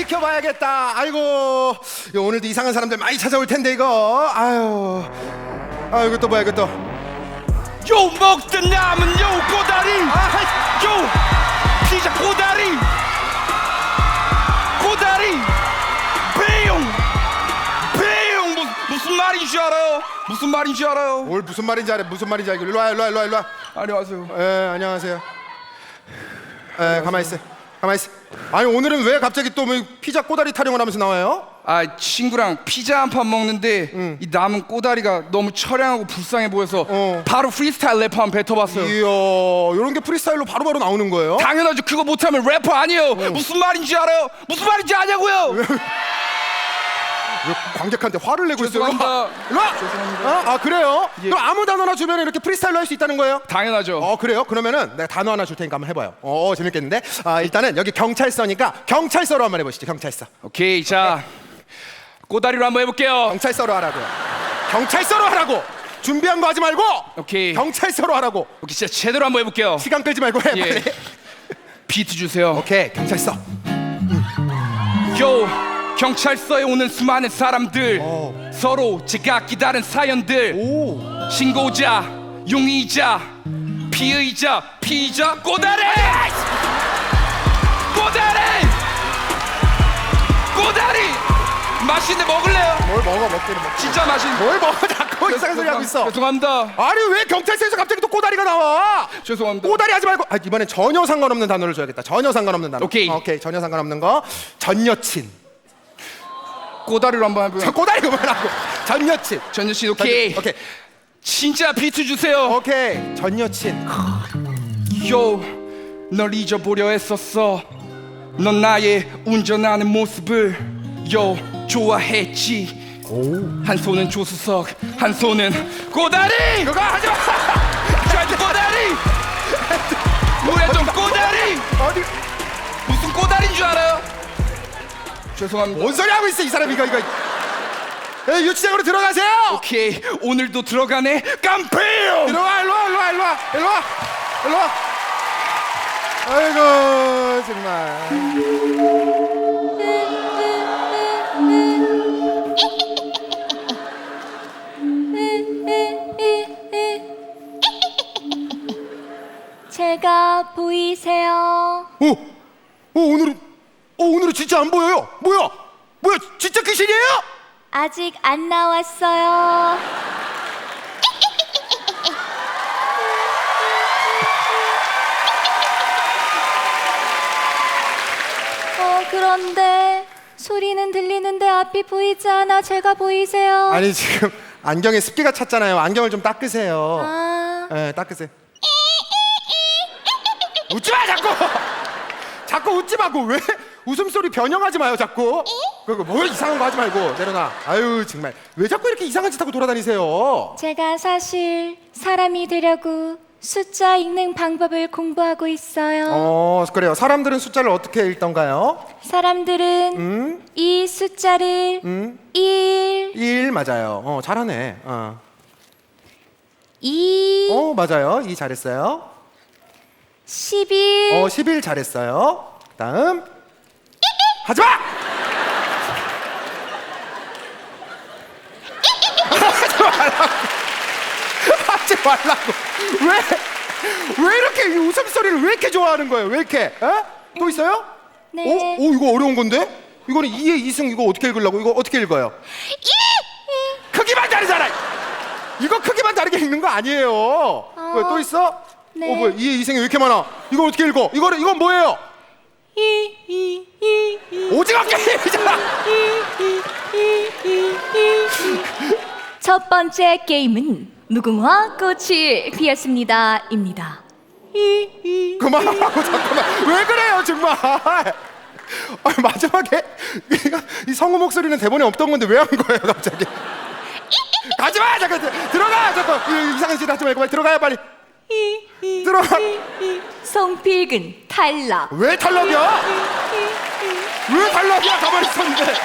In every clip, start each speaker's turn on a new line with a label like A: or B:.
A: 지켜봐야겠다. 아이고, 이거 오늘도 이상한 사람들 많이 찾아올 텐데 이거. 이거 또 뭐야 이거 또.
B: 요 먹던 남은 요 꼬다리 요 피자 꼬다리 배용 무슨 말인 줄 알아요? 무슨 말인 줄 알아요?
A: 뭘 무슨 말인지 알아? 무슨 말인지 알고. 일로 와.
B: 안녕하세요.
A: 안녕하세요. 가만히 있어. 아니 오늘은 왜 갑자기 또 뭐 피자 꼬다리 타령을 하면서 나와요?
B: 아, 친구랑 피자 한 판 먹는데 이 남은 꼬다리가 너무 처량하고 불쌍해 보여서 바로 프리스타일 래퍼 한번 뱉어봤어요.
A: 이야, 이런 게 프리스타일로 바로바로 나오는 거예요?
B: 당연하죠. 그거 못하면 래퍼 아니에요. 무슨 말인지 알아요? 무슨 말인지 아냐고요?
A: 왜 관객한테 화를 내고 있어요?
B: 죄송합니다.
A: 일로 와!
B: 죄송합니다.
A: 그래요?
B: 예.
A: 그럼 아무 단어나 주면 이렇게 프리스타일로 할 수 있다는 거예요?
B: 당연하죠.
A: 그래요? 그러면은 내가 단어 하나 줄 테니까 한번 해봐요. 재밌겠는데? 일단은 여기 경찰서니까 경찰서로 한번 해보시죠. 경찰서.
B: 오케이, 자 꼬다리로 한번 해볼게요.
A: 경찰서로 하라고요. 경찰서로 하라고! 준비한 거 하지 말고!
B: 오케이.
A: 경찰서로 하라고!
B: 오케이, 진짜 제대로 한번 해볼게요.
A: 시간 끌지 말고 해,
B: 예.
A: 빨리.
B: 비트 주세요.
A: 오케이, 경찰서.
B: 요 경찰서에 오는 수많은 사람들, 서로 제각기 다른 사연들, 신고자, 용의자, 피의자, 피의자, 꼬다리! 맛있는데 먹을래요?
A: 뭘 먹어, 먹기는 먹.
B: 진짜 맛있는데.
A: 뭘 먹어, 자꾸 이상한 소리 하고 있어.
B: 죄송합니다.
A: 아니 왜 경찰서에서 갑자기 또 꼬다리가 나와?
B: 죄송합니다.
A: 꼬다리 하지 말고. 이번엔 전혀 상관없는 단어를 줘야겠다. 전혀 상관없는 단어.
B: 오케이.
A: 전혀 상관없는 거. 전 여친.
B: 꼬다리로 한번 해볼게요.
A: 꼬다리 그만하고. 전 여친.
B: 전 여친. 오케이.
A: 오케이.
B: 진짜 비트 주세요.
A: 오케이. 전 여친.
B: 요, 널 잊어보려 했었어. 넌 나의 운전하는 모습을 좋아했지. 한 손은 조수석, 한 손은 꼬다리.
A: 그거 하지 마.
B: 저한테 꼬다리. 뭐야 좀 꼬다리.
A: 어디?
B: 무슨 꼬다리인 줄 알아요? 죄송합니다.
A: 뭔 소리 하고 있어 이 사람 이거. 유치장으로 들어가세요.
B: 오케이, 오늘도 들어가네. 깜패요.
A: 들어와 일로 와. 아이고 정말.
C: 제가 보이세요?
A: 오늘은 진짜 안 보여요. 뭐야 진짜 귀신이에요?
C: 아직 안 나왔어요. 그런데 소리는 들리는데 앞이 보이지 않아. 제가 보이세요?
A: 아니 지금 안경에 습기가 찼잖아요. 안경을 좀 닦으세요.
C: 아,
A: 닦으세요. 웃지 마 자꾸 웃지 마고. 왜 웃음소리 변형하지 마요 자꾸. 뭐 이상한 거 하지 말고 내려놔. 아유 정말 왜 자꾸 이렇게 이상한 짓 하고 돌아다니세요?
C: 제가 사실 사람이 되려고 숫자 읽는 방법을 공부하고 있어요.
A: 그래요. 사람들은 숫자를 어떻게 읽던가요?
C: 사람들은 이 숫자를
A: 1 맞아요. 잘하네.
C: 2
A: 맞아요. 2 잘했어요.
C: 11
A: 11 잘했어요. 그다음 하지 마! 하지 말라고. 왜 이렇게 이 웃음소리를 왜 이렇게 좋아하는 거예요? 왜 이렇게? 또 있어요?
C: 네.
A: 이거 어려운 건데? 이거는 2의 2승 이거 어떻게 읽으려고? 이거 어떻게 읽어요? 크기만 다르잖아. 이거 크기만 다르게 읽는 거 아니에요. 왜 또 있어?
C: 네.
A: 뭐야? 2의 2승이 왜 이렇게 많아? 이걸 어떻게 읽어? 이건 뭐예요? 오징어 게임이잖아.
C: 첫 번째 게임은 무궁화 꽃이 피었습니다입니다.
A: 그만하라고. 잠깐만. 왜 그래요 정말? 마지막에 이 성우 목소리는 대본에 없던 건데 왜 한 거예요 갑자기? 가지마. 잠깐 들어가. 잠깐 이상한 짓 하지 말고 빨리 들어가요 빨리. 들어가.
C: 송필근 탈락.
A: 왜 탈락이야? 왜 탈락이야? 가만히 있었는데.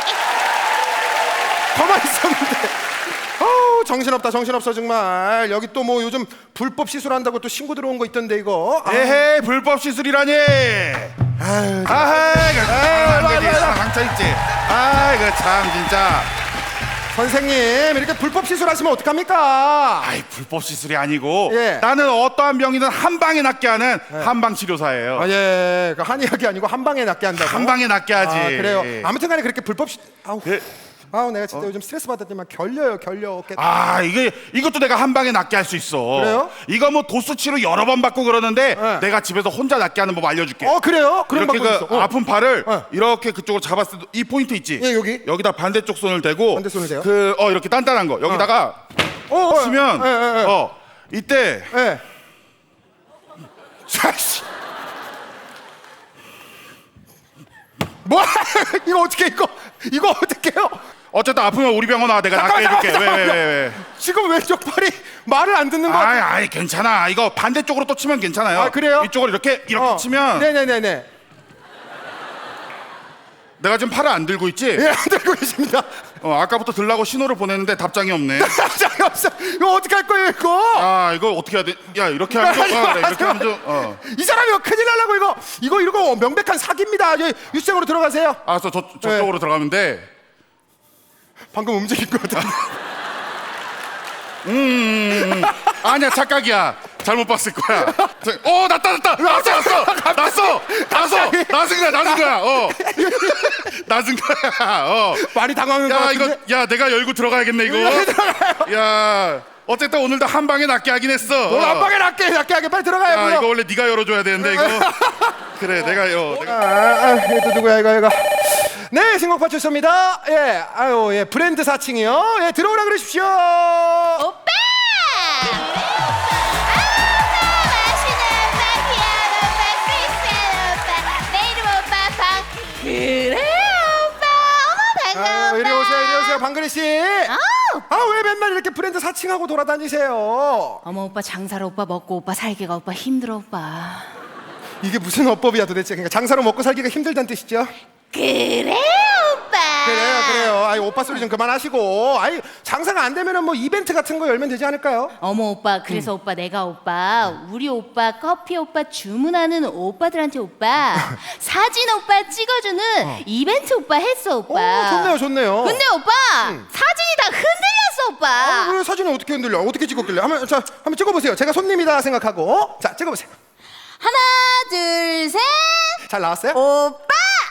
A: 정신없어 정말. 여기 또 뭐 요즘 불법 시술한다고 또 신고 들어온 거 있던데 이거.
D: 에헤이, 불법 시술이라니.
A: 아유,
D: 아이 그 상처 있지. 아이 그참 진짜.
A: 선생님 이렇게 불법 시술하시면 어떡합니까?
D: 아이 불법 시술이 아니고
A: 예.
D: 나는 어떠한 병이든 한 방에 낫게 하는 한방 치료사예요.
A: 아, 예, 그 한의학이 아니고 한 방에 낫게 한다고.
D: 한 방에 낫게 하지.
A: 아, 그래요. 아무튼간에 그렇게 불법 아우,
D: 그-
A: 아우 내가 진짜 요즘 스트레스 받았지만 결려.
D: 아 이것도 내가 한 방에 낫게 할 수 있어.
A: 그래요?
D: 이거 뭐 도수 치료 여러 번 받고 그러는데
A: 네.
D: 내가 집에서 혼자 낫게 하는 법 알려줄게.
A: 그래요? 그런
D: 이렇게
A: 방법
D: 그
A: 있어.
D: 아픈 팔을
A: 어.
D: 이렇게 그쪽으로 잡았을 때 이 포인트 있지?
A: 예, 여기.
D: 여기다 반대쪽 손을 대고
A: 반대 손을 대요?
D: 이렇게 단단한 거 여기다가 치면 이때
A: 예.
D: 자씨
A: 뭐? 이거 어떻게 이거 어떻게요?
D: 어쨌든 아프면 우리 병원 와 내가 낫게 해줄게. 왜?
A: 지금 왼쪽 팔이 말을 안 듣는 거 같아.
D: 아이 괜찮아. 이거 반대쪽으로 또 치면 괜찮아요.
A: 아, 그래요?
D: 이쪽으로 이렇게 치면
A: 네네네네.
D: 내가 지금 팔을 안 들고 있지?
A: 예, 안 들고 계십니다.
D: 아까부터 들라고 신호를 보냈는데 답장이 없네.
A: 장이 없어. 이거 어떻게 할 거예요, 이거?
D: 아 이거 어떻게 해야 돼? 야 이렇게 하면 좀 그래, 이렇게 하면 좀
A: 이 사람이 큰일 나려고 이거 명백한 사기입니다. 유치장으로 들어가세요.
D: 알았어 저쪽으로 들어가면 돼.
A: 방금 움직인 것 같은데.
D: 아니야 착각이야. 잘못 봤을 거야. 났다. 났어. 낮은 거야. 낮은 거야.
A: 많이 당황한 것
D: 야
A: 같은데.
D: 이거 내가 열고 들어가야겠네 이거. 야 어쨌든 오늘도 한 방에 낫게 하긴 했어.
A: 오늘 한 방에 낫게 하게 빨리 들어가요.
D: 야 이거 원래 네가 열어줘야 되는데 이거. 그래 내가
A: 이거 누구야 이거. 네, 신곡파 출소입니다. 예, 예, 브랜드 사칭이요. 예, 들어오라 그러십시오.
E: 오빠! 그래 오빠 어머 반가워
A: 이리 오세요. 방글이 씨. 왜 맨날 이렇게 브랜드 사칭하고 돌아다니세요?
E: 어머 오빠 장사로 오빠 먹고 오빠 살기가 오빠 힘들어 오빠
A: 이게 무슨 어법이야 도대체? 그러니까 장사로 먹고 살기가 힘들다는 뜻이죠?
E: 그래 오빠
A: 그래요. 오빠 소리 좀 그만하시고. 장사가 안 되면은 뭐 이벤트 같은 거 열면 되지 않을까요?
E: 어머 오빠 그래서 오빠 내가 오빠 우리 오빠 커피 오빠 주문하는 오빠들한테 오빠 사진 오빠 찍어주는 이벤트 오빠 했어 오빠
A: 좋네요.
E: 근데 오빠 사진이 다 흔들렸어 오빠
A: 왜 사진을 어떻게 흔들려? 어떻게 찍었길래? 한번 찍어보세요. 제가 손님이다 생각하고. 자, 찍어보세요.
E: 하나 둘 셋
A: 잘 나왔어요?
E: 오빠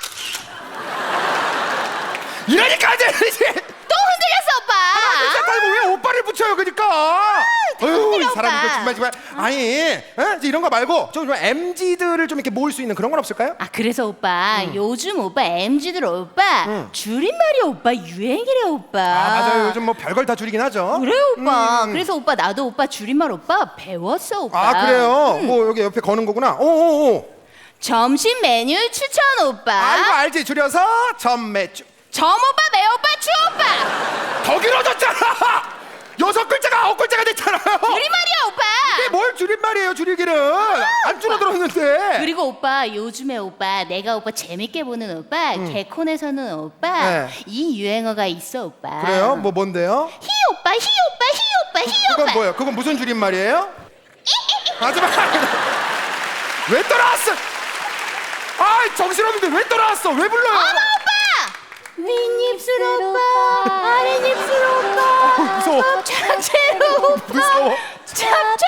A: 이러니까 안 되지!
E: 또 흔들렸어 오빠
A: 진짜 말고 왜 오빠를 붙여요, 그러니까? 이
E: 오빠.
A: 사람 이거 정말. 이제 이런 거 말고 좀 MZ들을 좀 이렇게 모을 수 있는 그런 건 없을까요?
E: 그래서 오빠 요즘 오빠 MZ들 오빠 줄임말이 오빠 유행이래 오빠
A: 맞아요. 요즘 뭐 별걸 다 줄이긴 하죠.
E: 그래 오빠 그래서 오빠 나도 오빠 줄임말 오빠 배웠어 오빠
A: 그래요? 뭐 여기 옆에 거는 거구나.
E: 점심 메뉴 추천 오빠
A: 이거 알지? 줄여서 전매주.
E: 점 오빠 매 오빠 추 오빠
A: 더 길어졌잖아! 6글자가 9글자가 됐잖아요!
E: 줄임말이야 오빠
A: 이게 뭘 줄임말이에요, 줄이기는! 안 줄어들었는데!
E: 그리고 오빠 요즘에 오빠 내가 오빠 재밌게 보는 오빠 개콘에서는 오빠
A: 네.
E: 이 유행어가 있어 오빠
A: 그래요? 뭔데요?
E: 히 오빠 히 오빠 히 오빠 히
A: 그건
E: 오빠
A: 뭐예요? 그건 무슨 줄임말이에요? 하지마! 왜 떠나왔어? 정신없는데 왜 떠나왔어? 왜 불러요?
E: 어머 오빠 윗입술 오빠 아랫입술 오빠
A: 무서워.
E: 자체로 오빠
A: 무서워.
E: 찹찹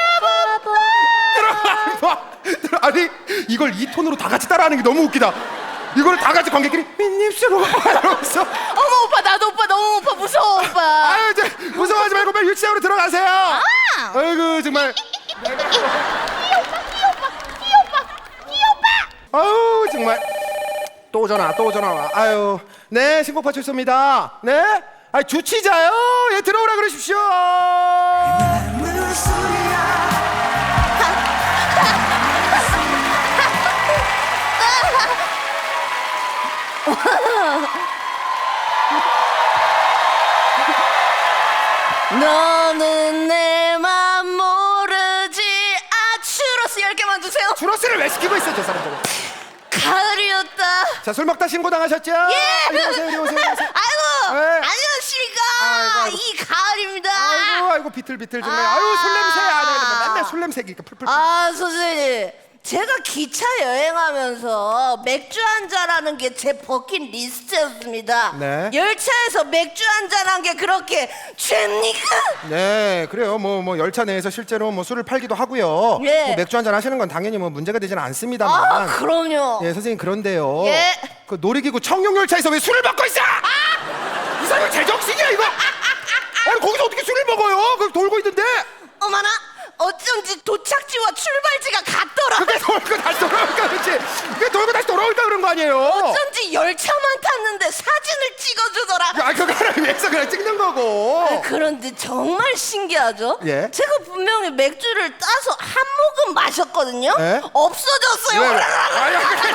E: 오빠
A: 아니 이걸 이 톤으로 다 같이 따라하는 게 너무 웃기다. 이걸 다 같이 관객끼리 민입술로 이러면서.
E: 어머 오빠 나도 오빠 너무 오빠 무서워 오빠
A: 이제 무서워하지 말고 빨리 유치장으로 들어가세요. 아이고 정말. 아유 정말 또 전화 와. 네, 신곡파 출소입니다. 네, 주치자요. 예, 들어오라 그러십시오.
E: 너는 내 맘 모르지 추러스 10개만 주세요
A: 주로스를 왜 시키고 있어, 저 사람들.
E: 가을이었다
A: 자, 술 먹다 신고 당하셨죠?
E: 예!
A: 이리 오세요.
E: 아이고
A: 네.
E: 안녕하십니까
A: 아이고.
E: 이 가을입니다
A: 아이고 비틀비틀 정말. 술 냄새. 맨날 술 냄새니까 풀풀.
E: 선생님
F: 제가 기차 여행하면서 맥주 한잔하는 게 제 버킷리스트였습니다.
A: 네.
F: 열차에서 맥주 한잔한 게 그렇게 죄입니까?
A: 네, 그래요. 뭐 열차 내에서 실제로 뭐 술을 팔기도 하고요.
F: 예.
A: 뭐 맥주 한잔 하시는 건 당연히 뭐 문제가 되지는 않습니다만.
F: 아, 그럼요.
A: 예, 선생님 그런데요.
F: 예.
A: 그 놀이기구 청룡열차에서 왜 술을 먹고 있어? 이 사람이 제정신이야 이거. 아니 거기서 어떻게 술을 먹어요? 그 돌고 있는데.
F: 어머나, 어쩐지 도착지와 출발지가 같더라.
A: 그게 돌고 다시 돌아올까 그렇지. 그게 돌고 다시 돌아올까 그런 거 아니에요?
F: 어쩐지 열차만 탔는데 사진을 찍어주더라.
A: 아 그거를 위해서 그냥 찍는 거고.
F: 그런데 정말 신기하죠?
A: 예.
F: 제가 분명히 맥주를 따서 한 모금 마셨거든요.
A: 예?
F: 없어졌어요.
A: 아야 그게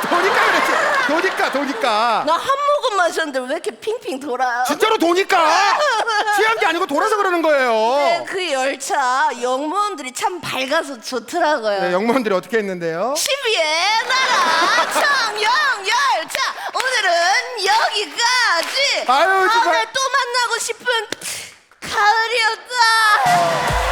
A: 도니까.
F: 나 한 모금 마셨는데 왜 이렇게 핑핑 돌아요?
A: 진짜로 도니까. 취한 게 아니고 돌아서 그러는 거예요.
F: 네, 그 열차 영무원들이 참 밝아서 좋더라고요.
A: 네, 영무원들이 어떻게 했는데요?
F: 12의 나라 청룡열차 오늘은 여기까지.
A: 아유, 정말.
F: 다음에 또 만나고 싶은 가을이었다.